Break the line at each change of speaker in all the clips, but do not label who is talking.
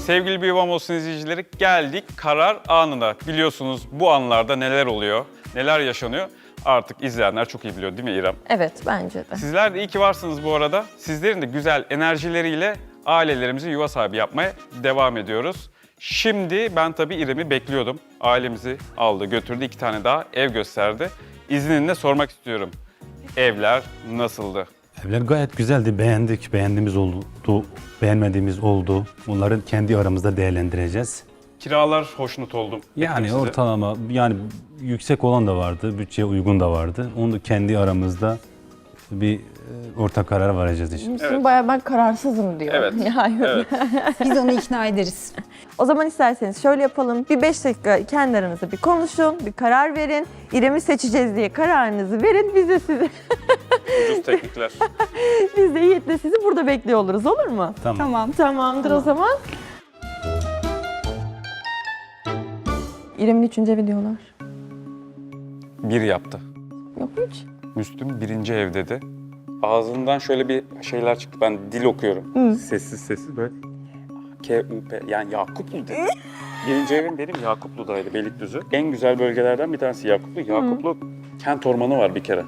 Sevgili Bir Yuvam Olsun izleyicileri, geldik karar anına. Biliyorsunuz bu anlarda neler oluyor, neler yaşanıyor artık izleyenler çok iyi biliyor değil mi İrem?
Evet, bence de.
Sizler de iyi ki varsınız bu arada. Sizlerin de güzel enerjileriyle ailelerimizi yuva sahibi yapmaya devam ediyoruz. Şimdi ben tabii İrem'i bekliyordum. Ailemizi aldı, götürdü, 2 tane daha ev gösterdi. İzninle sormak istiyorum. Evler nasıldı?
Evler gayet güzeldi. Beğendik. Beğendiğimiz oldu, beğenmediğimiz oldu. Bunları kendi aramızda değerlendireceğiz.
Kiralar hoşnut oldum.
Yani
Ettim size.
ortalama, yani yüksek olan da vardı, bütçeye uygun da vardı. Onu da kendi aramızda bir ortak karar varacağız işte.
Müslüm bayağı ben kararsızım diyor.
Evet.
Yani.
Evet.
Biz onu ikna ederiz.
O zaman isterseniz şöyle yapalım. Bir 5 dakika kendi aranızda bir konuşun, bir karar verin. İrem'i seçeceğiz diye kararınızı verin. Biz de sizi,
Ucuz teknikler.
biz de Yiğit'le sizi burada bekliyor oluruz, olur mu?
Tamam.
Tamam.
Tamamdır o zaman. İrem'in 3. evi diyorlar.
Bir yaptı.
Yok hiç.
Müslüm 1. ev dedi. Ağzından şöyle bir şeyler çıktı. Ben dil okuyorum. Sessiz sessiz böyle. K-U-P yani Yakuplu dedi. 1. evim benim Yakuplu'daydı, Beylikdüzü. En güzel bölgelerden bir tanesi Yakuplu. Yakuplu kent ormanı var bir kere.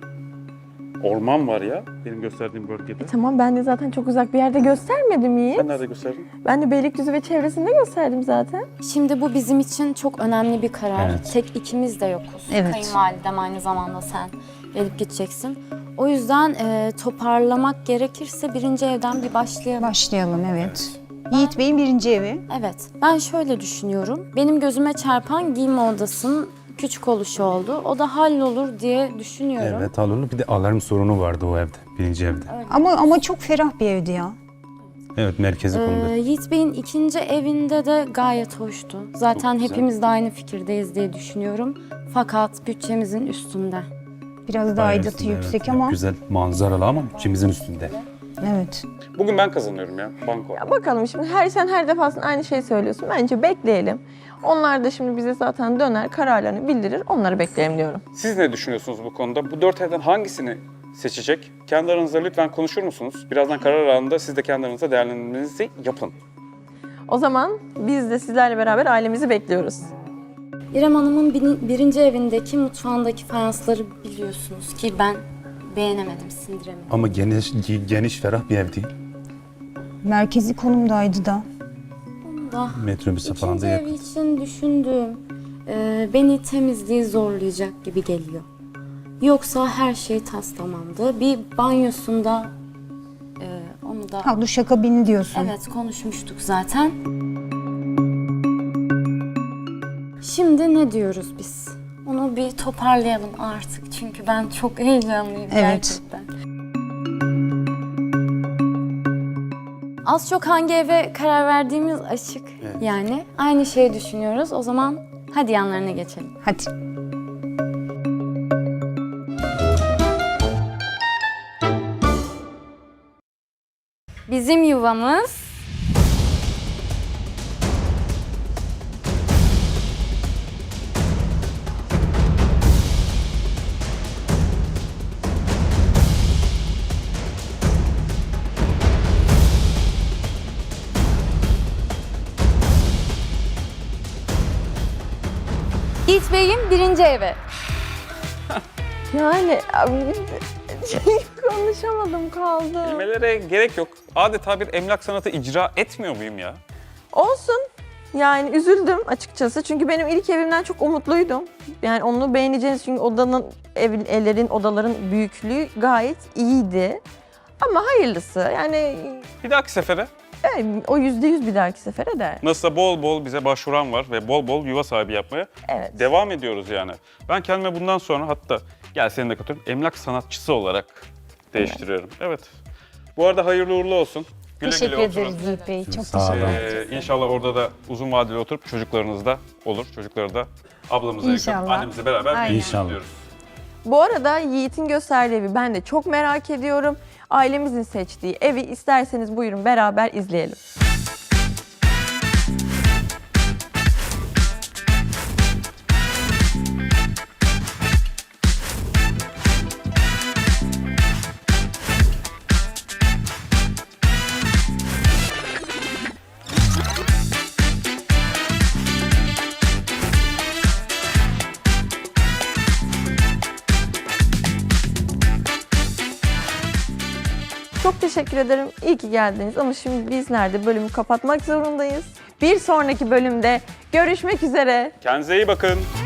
Orman var ya benim gösterdiğim bölgede.
Tamam, ben de zaten çok uzak bir yerde göstermedim Yiğit.
Ben nerede gösterdim?
Ben de Beylikdüzü ve çevresinde gösterdim zaten.
Şimdi bu bizim için çok önemli bir karar.
Evet.
Tek ikimiz de yokuz.
Evet.
Kayınvalidem aynı zamanda sen gelip gideceksin. O yüzden toparlamak gerekirse 1. evden bir başlayalım.
Başlayalım, evet. Yiğit Bey'in 1. evi.
Evet, ben şöyle düşünüyorum. Benim gözüme çarpan giyinme odasının küçük oluşu oldu. O da hallolur diye düşünüyorum.
Evet, alınır. Bir de alarm sorunu vardı o evde, 1. evde.
Ama çok ferah bir evdi ya.
Evet, merkezi konumda.
Yiğit Bey'in 2. evinde de gayet hoştu. Zaten
Çok güzel.
hepimiz de aynı fikirdeyiz diye düşünüyorum. Fakat bütçemizin üstünde.
Biraz daha
Bayağı
aidatı
üstünde,
yüksek
evet.
ama.
Güzel manzaralı ama bütçemizin üstünde.
Evet.
Bugün ben kazanıyorum ya banko.
Ya bakalım şimdi sen her defasında aynı şeyi söylüyorsun. Bence bekleyelim. Onlar da şimdi bize zaten döner, kararlarını bildirir. Onları bekleyelim diyorum.
Siz ne düşünüyorsunuz bu konuda? Bu 4 evden hangisini seçecek? Kendi aranızda lütfen konuşur musunuz? Birazdan karar anında siz de kendi aranızda değerlendirmenizi yapın.
O zaman biz de sizlerle beraber ailemizi bekliyoruz.
İrem Hanım'ın 1. evindeki mutfağındaki fayansları biliyorsunuz ki ben beğenemedim, sindiremedim.
Ama geniş, ferah bir ev değil.
Merkezi konumdaydı da.
Da
Metrobüse falan da
2. ev
yakın.
için düşündüğüm beni temizliği zorlayacak gibi geliyor. Yoksa her şey tas tamamdı. Bir banyosunda onu da
Ha, duşakabini diyorsun.
evet konuşmuştuk zaten. Şimdi ne diyoruz biz? Onu bir toparlayalım artık çünkü ben çok heyecanlıyım
Evet.
gerçekten. Az çok hangi eve karar verdiğimiz açık.
Evet.
Yani aynı şeyi düşünüyoruz. O zaman hadi yanlarına geçelim.
Hadi.
Bizim yuvamız Yiğit Bey'in 1. evi.
Yani konuşamadım, kaldı.
Kelimelere gerek yok. Adeta bir emlak sanatı icra etmiyor muyum ya?
Olsun. Yani üzüldüm açıkçası. Çünkü benim ilk evimden çok umutluydum. Yani onu beğeneceğiniz çünkü odaların büyüklüğü gayet iyiydi. Ama hayırlısı. Yani
Bir dahaki sefere
o %100 bir dahaki sefere de.
nasılsa bol bol bize başvuran var ve bol bol yuva sahibi yapmaya
Evet.
devam ediyoruz yani. Ben kendime bundan sonra hatta gel seni de katıyorum emlak sanatçısı olarak değiştiriyorum. Evet. Bu arada hayırlı uğurlu olsun. Güle
Teşekkür
güle oturun.
ederiz Yiğit Bey. Çok
Sağ olun.
teşekkür ederiz.
İnşallah orada da uzun vadeli oturup çocuklarınız da olur. Çocukları da ablamıza yakın,
İnşallah.
annemizle beraber
Aynen.
büyüyün
İnşallah.
diyoruz.
Bu arada Yiğit'in gösterdiği evi ben de çok merak ediyorum. Ailemizin seçtiği evi isterseniz buyurun beraber izleyelim. Çok teşekkür ederim. İyi ki geldiniz ama şimdi biz nerede? Bölümü kapatmak zorundayız. Bir sonraki bölümde görüşmek üzere.
Kendinize iyi bakın.